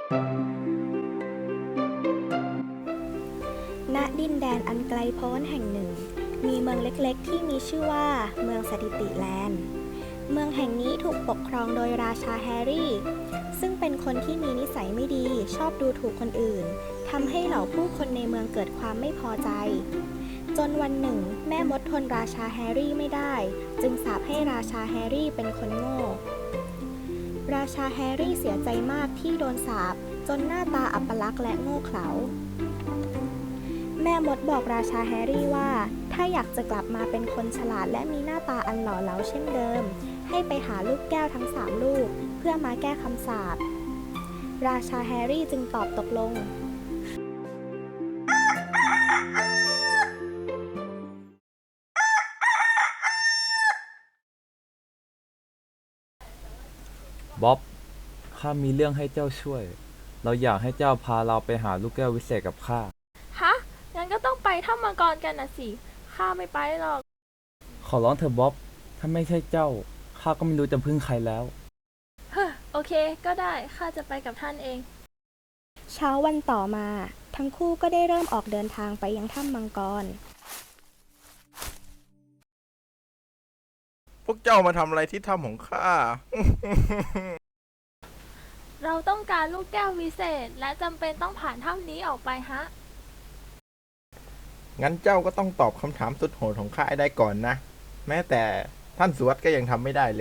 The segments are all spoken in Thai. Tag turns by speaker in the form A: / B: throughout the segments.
A: ณดินแดนอันไกลโพ้นแห่งหนึ่งมีเมืองเล็กๆที่มีชื่อว่าเมืองสถิติแลนด์เมืองแห่งนี้ถูกปกครองโดยราชาแฮร์รี่ซึ่งเป็นคนที่มีนิสัยไม่ดีชอบดูถูกคนอื่นทำให้เหล่าผู้คนในเมืองเกิดความไม่พอใจจนวันหนึ่งแม่มดทนราชาแฮร์รี่ไม่ได้จึงสาปให้ราชาแฮร์รี่เป็นคนโง่ราชาแฮร์รี่เสียใจมากที่โดนสาปจนหน้าตาอัปลักษณ์และโง่เขลาแม่มดบอกราชาแฮร์รี่ว่าถ้าอยากจะกลับมาเป็นคนฉลาดและมีหน้าตาอันหล่อเหลาเช่นเดิมให้ไปหาลูกแก้วทั้ง3ลูกเพื่อมาแก้คำสาปราชาแฮร์รี่จึงตอบตกลง
B: บ๊อบข้ามีเรื่องให้เจ้าช่วยเราอยากให้เจ้าพาเราไปหาลูกแก้ววิเศษกับข้า
C: ฮะงั้นก็ต้องไปถ้ำมังกรกันนะสิข้าไม่ไปหรอก
B: ขอร้องเถอะบ๊อบถ้าไม่ใช่เจ้าข้าก็ไม่รู้จะพึ่งใครแล้ว
C: เฮ้อโอเคก็ได้ข้าจะไปกับท่านเอง
A: เช้าวันต่อมาทั้งคู่ก็ได้เริ่มออกเดินทางไปยังถ้ำมังกร
D: พวกเจ้ามาทำอะไรที่ถ้ำของข้า
C: เราต้องการลูกแก้ววิเศษและจำเป็นต้องผ่านถ้ำนี้ออกไปฮะ
D: งั้นเจ้าก็ต้องตอบคำถามสุดโหดของข้าให้ได้ก่อนนะ แม้แต่ท่านสวดก็ยังทำไม่ได้เลย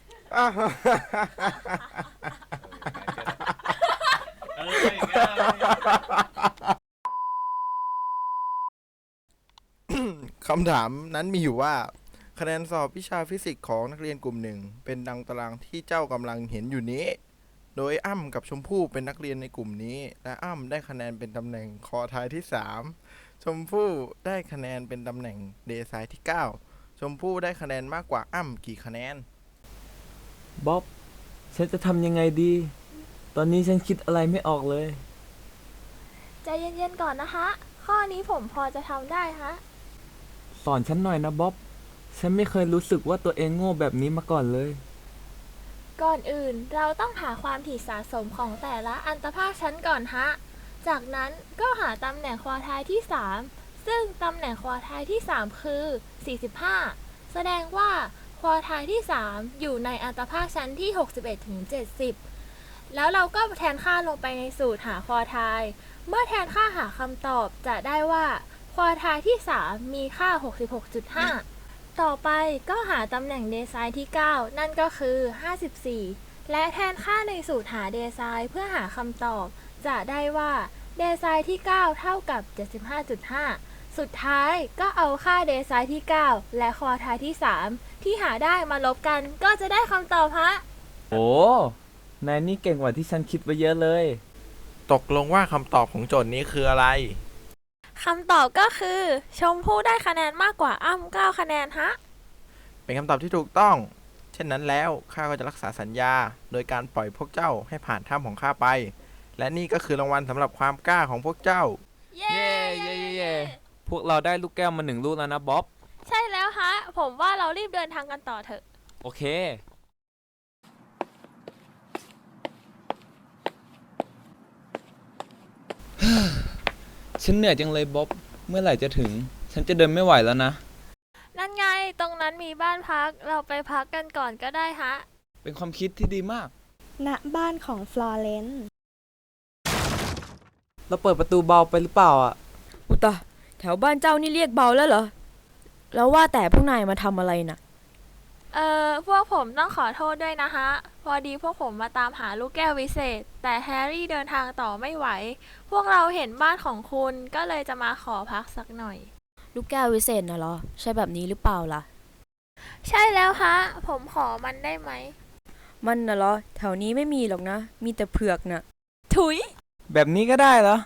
D: คำถามนั้นมีอยู่ว่าคะแนนสอบวิชาฟิสิกส์ของนักเรียนกลุ่มหนึ่งเป็นดังตารางที่เจ้ากำลังเห็นอยู่นี้โดยอ้ำกับชมพู่เป็นนักเรียนในกลุ่มนี้และอ้ำได้คะแนนเป็นตำแหน่งคอทายที่3ชมพู่ได้คะแนนเป็นตำแหน่งเดซายที่9ชมพู่ได้คะแนนมากกว่าอ้ำกี่คะแนน
B: บ๊อบฉันจะทำยังไงดีตอนนี้ฉันคิดอะไรไม่ออกเลย
C: ใจเย็นๆก่อนนะคะข้อนี้ผมพอจะทำได้ฮะ
B: สอนฉันหน่อยนะบ๊อบฉันไม่เคยรู้สึกว่าตัวเองโง่แบบนี้มาก่อนเลย
C: ก่อนอื่นเราต้องหาความถี่สะสมของแต่ละอันตภาคชั้นก่อนฮะจากนั้นก็หาตำแหน่งควอไทล์ที่3ซึ่งตำแหน่งควอไทล์ที่3คือ45แสดงว่าควอไทล์ที่3อยู่ในอันตภาคชั้นที่61ถึง70แล้วเราก็แทนค่าลงไปในสูตรหาควอไทล์เมื่อแทนค่าหาคำตอบจะได้ว่าควอไทล์ที่3มีค่า 66.5 ต่อไปก็หาตำแหน่งเดไซน์ที่9นั่นก็คือ54และแทนค่าในสูตรหาเดไซน์เพื่อหาคำตอบจะได้ว่าเดไซน์ที่9เท่ากับ 75.5 สุดท้ายก็เอาค่าเดไซน์ที่9และควอไทล์ที่3ที่หาได้มาลบกันก็จะได้คำตอบฮะ
B: โอ้นายนี่เก่งกว่าที่ฉันคิดไว้เยอะเลย
D: ตกลงว่าคำตอบของโจทย์นี้คืออะไร
C: คำตอบก็คือชมพู่ได้คะแนนมากกว่าอ้ำ9คะแนนฮะ
D: เป็นคำตอบที่ถูกต้องเช่นนั้นแล้วข้าก็จะรักษาสัญญาโดยการปล่อยพวกเจ้าให้ผ่านถ้ำของข้าไปและนี่ก็คือรางวัลสำหรับความกล้าของพวกเจ้า
C: เย้
B: เย้เย้พวกเราได้ลูกแก้วมา1 ลูกแล้วนะบ๊อบ
C: ใช่แล้วฮะผมว่าเรารีบเดินทางกันต่อเถอะ
B: โอเคฉันเหนื่อยจังเลยบ๊อบเมื่อไหร่จะถึงฉันจะเดินไม่ไหวแล้วนะ
C: นั่นไงตรงนั้นมีบ้านพักเราไปพักกันก่อนก็ได้ฮะ
B: เป็นความคิดที่ดีมาก
A: ณบ้านของฟลอเรนซ์
B: เราเปิดประตูเบาไปหรือเปล่าอ่ะ
E: อุตะแถวบ้านเจ้านี่เรียกเบาแล้วเหรอแล้วว่าแต่พวกนายมาทำอะไรน่ะ
C: พวกผมต้องขอโทษด้วยนะฮะพอดีพวกผมมาตามหาลูกแก้ววิเศษแต่แฮร์รี่เดินทางต่อไม่ไหวพวกเราเห็นบ้านของคุณก็เลยจะมาขอพักสักหน่อย
E: ลูกแก้ววิเศษน่ะเหรอใช่แบบนี้หรือเปล่าล่ะ
C: ใช่แล้วฮะผมขอมันได้ไหม
E: มันน่ะเหรอแถวนี้ไม่มีหรอกนะมีแต่เผือกน่ะ
C: ถุย
B: แบบนี้ก็ได้เหรอ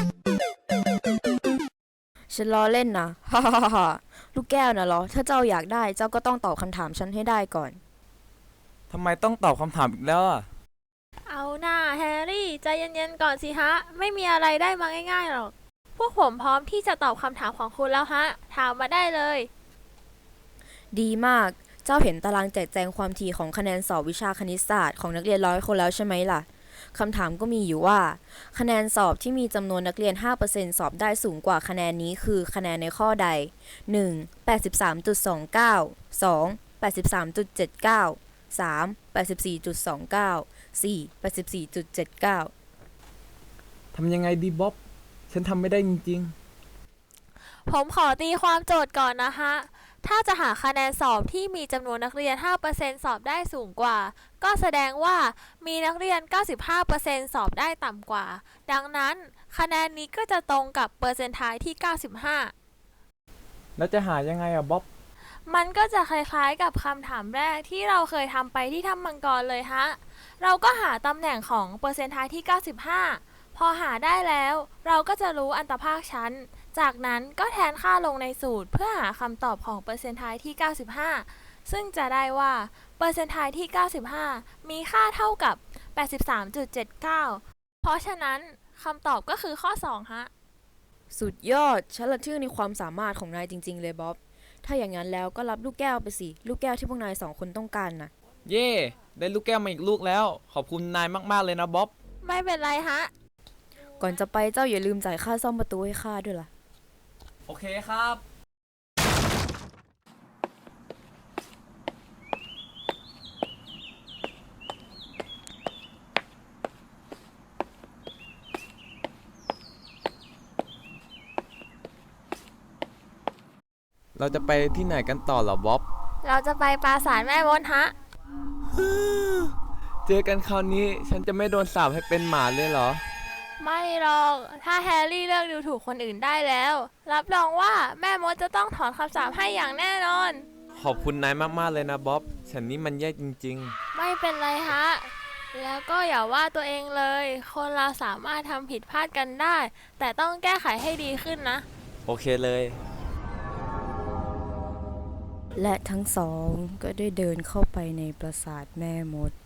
E: ฉันล้อเล่นนะฮ่าฮ่าฮ่าลูกแก้วน่ะเหรอถ้าเจ้าอยากได้เจ้าก็ต้องตอบคำถามฉันให้ได้ก่อน
B: ทำไมต้องตอบคำถามอีกแล้วอ่ะ
C: เอาหน้าแฮร์รี่ใจเย็นๆก่อนสิฮะไม่มีอะไรได้มาง่ายๆหรอกพวกผมพร้อมที่จะตอบคำถามของคุณแล้วฮะถามมาได้เลย
E: ดีมากเจ้าเห็นตารางแจกแจงความถี่ของคะแนนสอบวิชาคณิตศาสตร์ของนักเรียน100 คนแล้วใช่ไหมล่ะคำถามก็มีอยู่ว่า คะแนนสอบที่มีจำนวนนักเรียน 5% สอบได้สูงกว่าคะแนนนี้คือคะแนนในข้อใด 1. 83.29 2. 83.79 3. 84.29 4. 84.79
B: ทำยังไงดีบ๊อบ ฉันทำไม่ได้จริง
C: ผมขอตีความโจทย์ก่อนนะฮะ ถ้าจะหาคะแนนสอบที่มีจำนวนนักเรียน 5% สอบได้สูงกว่า ก็แสดงว่ามีนักเรียน 95% สอบได้ต่ำกว่า ดังนั้นคะแนนนี้ก็จะตรงกับเปอร์เซนต์ไทายที่ 95
B: แล้วจะหายังไงอะบ๊อบ
C: มันก็จะคล้ายๆกับคำถามแรกที่เราเคยทำไปที่ถ้ำมังกรเลยฮะ เราก็หาตำแหน่งของเปอร์เซนต์ไทายที่ 95 พอหาได้แล้ว เราก็จะรู้อันตภาคชั้น จากนั้นก็แทนค่าลงในสูตรเพื่อหาคำตอบของเปอร์เซนต์ไทายที่ 95 ซึ่งจะได้ว่าเปอร์เซนต์ไทายที่ 95 มีค่าเท่ากับ 83.79 เพราะฉะนั้นคำตอบก็คือข้อ 2 ฮะ
E: สุดยอด ฉันละทึ่งในความสามารถของนายจริงๆเลยบ๊อบ ถ้าอย่างนั้นแล้วก็รับลูกแก้วไปสิ ลูกแก้วที่พวกนาย2 คนต้องการนะ
B: เย่ ได้ลูกแก้วมาอีกลูกแล้ว ขอบคุณนายมากๆเลยนะบ๊อบ
C: ไม่เป็นไรฮะ
E: ก่อนจะไปเจ้าอย่าลืมจ่ายค่าซ่อมประตูให้ข้าด้วยล่ะ
B: โอเคครับ เราจะไปที่ไหนกันต่อเหรอบ๊อบ
C: เราจะไปปราสาทแม่มดฮะ
B: เจอกันคราวนี้ฉันจะไม่โดนสาปให้เป็นหมาเลยเหรอ
C: ไม่หรอก ถ้าแฮร์รี่เลิกดูถูกคนอื่นได้แล้ว รับรองว่าแม่มดจะต้องถอนคำสาปให้อย่างแน่นอน
B: ขอบคุณนายมากๆเลยนะบ๊อบ ฉันนี่มันแย่จริง
C: ไม่เป็นไรฮะ แล้วก็อย่าว่าตัวเองเลย คนเราสามารถทำผิดพลาดกันได้ แต่ต้องแก้ไขให้ดีขึ้นนะ
B: ๆ โอเคเลย
E: และทั้งสองก็ได้เดินเข้าไปในปราสาทแม่มด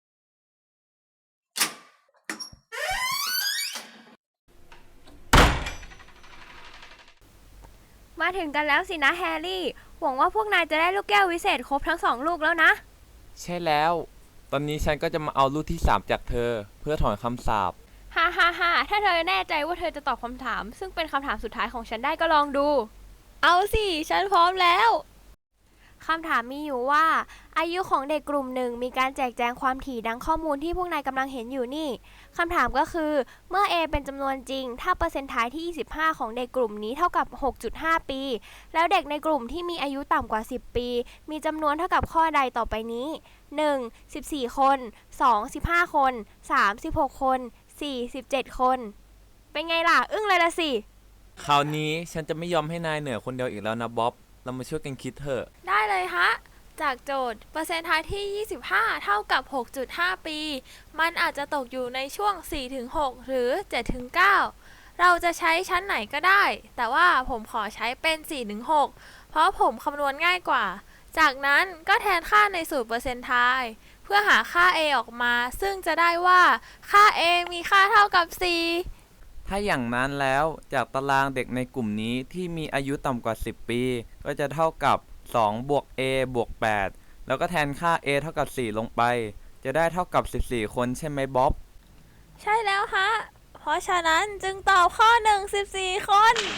A: มาถึงกันแล้วสินะแฮร์รี่ หวังว่าพวกนายจะได้ลูกแก้ววิเศษครบทั้ง2 ลูกแล้วนะ
B: ใช่แล้ว ตอนนี้ฉันก็จะมาเอาลูกที่ 3 จากเธอ เพื่อถอนคำสาป
A: ฮ่าฮ่าฮ่าถ้าเธอแน่ใจว่าเธอจะตอบคำถาม ซึ่งเป็นคำถามสุดท้ายของฉันได้ก็ลองดู
C: เอาสิ ฉันพร้อมแล้ว
A: คำถามมีอยู่ว่า อายุของเด็กกลุ่มหนึ่งมีการแจกแจงความถี่ดังข้อมูลที่พวกนายกำลังเห็นอยู่นี่คำถามก็คือเมื่อ A เป็นจำนวนจริง ถ้าเปอร์เซ็นต์ท้ายที่ 25 ของเด็กกลุ่มนี้เท่ากับ 6.5 ปี แล้วเด็กในกลุ่มที่มีอายุต่ำกว่า 10 ปี มีจำนวนเท่ากับข้อใดต่อไปนี้ 1. 14 คน 2. 15 คน 3. 16 คน 4. 17 คน เป็นไงล่ะ อึ้งเลยละสิ
B: คราวนี้ฉันจะไม่ยอมให้นายเหนือคนเดียวอีกแล้วนะบ๊อบ เรามาช่วยกันคิดเถอะ
C: ได้เลยฮะ จากโจทย์เปอร์เซ็นต์ท้ายที่ 25 เท่ากับ 6.5 ปี มันอาจจะตกอยู่ในช่วง 4-6 หรือ 7-9 เราจะใช้ชั้นไหนก็ได้ แต่ว่าผมขอใช้เป็น 4-6 เพราะผมคำนวณง่ายกว่า จากนั้นก็แทนค่าในสูตรเปอร์เซ็นต์ท้ายเพื่อหาค่า a ออกมา ซึ่งจะได้ว่าค่า a มีค่าเท่ากับ 4
B: ถ้าอย่างนั้นแล้วจากตารางเด็กในกลุ่มนี้ที่มีอายุต่ำกว่า 10 ปี ก็จะเท่ากับ2บวก a บวก 8 แล้วก็แทนค่า a เท่ากับ 4 ลงไป จะได้เท่ากับ 14 คนใช่ไหมบ๊อบ
C: ใช่แล้วฮะ เพราะฉะนั้นจึงตอบข้อ 1 14 คน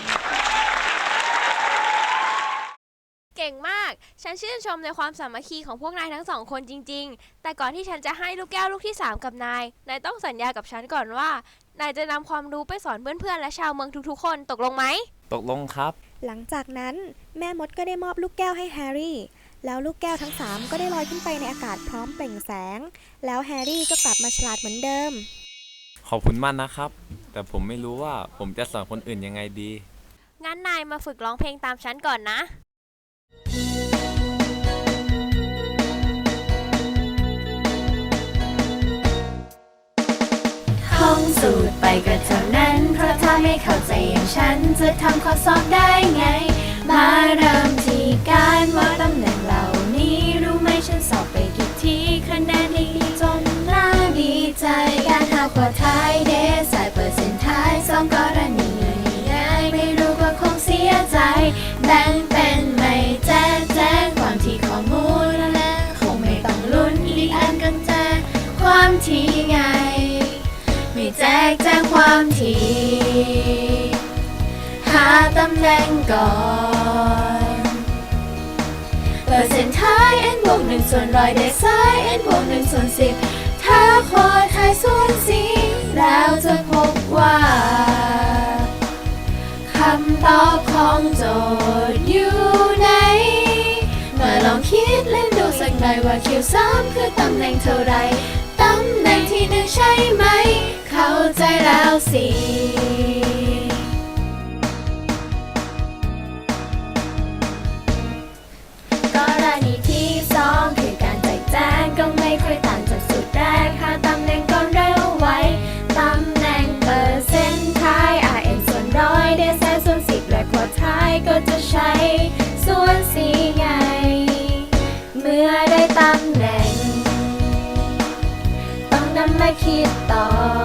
A: เก่งมาก ฉันชื่นชมในความสามัคคีของพวกนายทั้ง2 คนจริงๆ แต่ก่อนที่ฉันจะให้ลูกแก้วลูกที่ 3 กับนาย นายต้องสัญญากับฉันก่อนว่า นายจะนำความรู้ไปสอนเพื่อนๆ และชาวเมืองทุกๆ คน ตกลงไหม
B: ตกลงครับ
A: หลังจากนั้นแม่มดก็ได้มอบลูกแก้วให้แฮร์รี่ แล้วลูกแก้วทั้ง 3 ก็ได้ลอยขึ้นไปในอากาศพร้อมเปล่งแสง แล้วแฮร์รี่ก็กลับมาฉลาดเหมือนเดิม
B: ขอบคุณมากนะครับ แต่ผมไม่รู้ว่าผมจะสอนคนอื่นยังไงดี
A: งั้นนายมาฝึกร้องเพลงตามฉันก่อนนะ
F: ท่องสูตรไปก็เท่านั้น เพราะถ้าไม่เข้าใจอย่างฉันจะทำข้อสอบได้ไง มาเริ่มที่การว่าตำแหน่งเหล่านี้รู้ไหมฉันสอบไปกี่ทีคะแนนดีจนน่าดีใจ การหาขวดท้ายเดสายเปอร์เซ็นต์ท้ายสองกรณีง่ายไม่รู้ก็คงเสียใจแบ่งเป็นไม่แจ้งความที่ข้อมูลและคงไม่ต้องลุ้นอีกอันกันแจ้ความที่ไงแจกแจงความถี่หาตำแหน่งก่อนเปอร์เซ็นต์ท้าย n บวก1ส่วน100ได้ซ้าย n บวก1ส่วน10ถ้าควอไทยส่วน4แล้วจะพบว่าคำตอบของโจทย์อยู่ไหนมาลองคิดเล่นดูสักหน่อยว่า Q3 คือตำแหน่งเท่าไรตำแหน่งที่1ใช่ไหมเข้าใจแล้วสิกรณีที่2คือการแจกแจงก็ไม่ค่อยต่างจากสูตรแรกหาตำแหน่งก่อนเร็วไวตำแหน่งเปอร์เซ็นต์ท้าย rn ส่วน100ได้แสนส่วน10และควอท้ายก็จะใช้ส่วน4ไงเมื่อได้ตำแหน่งต้องนำมาคิดต่อ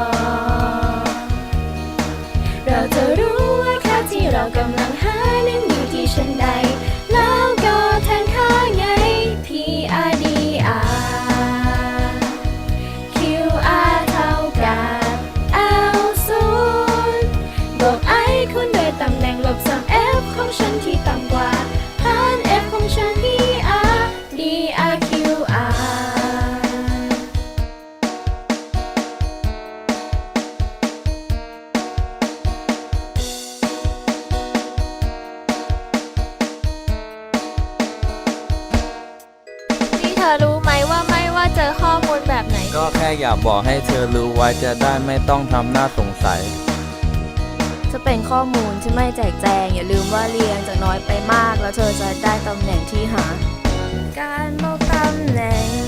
F: เราจะรู้ว่าค่าที่เรากำลังหานั้นอยู่ที่ชั้นใดแล้วก็แทนค่าไง PRDR QR เท่ากับ L0 บวก I คูณด้วยตำแหน่งลบ3 F ของฉันที่ต่ำกว่าหาร F ของฉัน DR DR QR
C: นี่เธอรู้ไหมว่าไม่ว่าเจอข้อมูลแบบไหน
B: ก็แค่อยากบอกให้เธอรู้ไว้จะได้ไม่ต้องทำหน้าสงสัย
E: จะเป็นข้อมูลที่ไม่แจกแจงอย่าลืมว่าเรียงจากน้อยไปมากแล้วเธอจะได้ตำแหน่งที่หา การบอกตำแหน่ง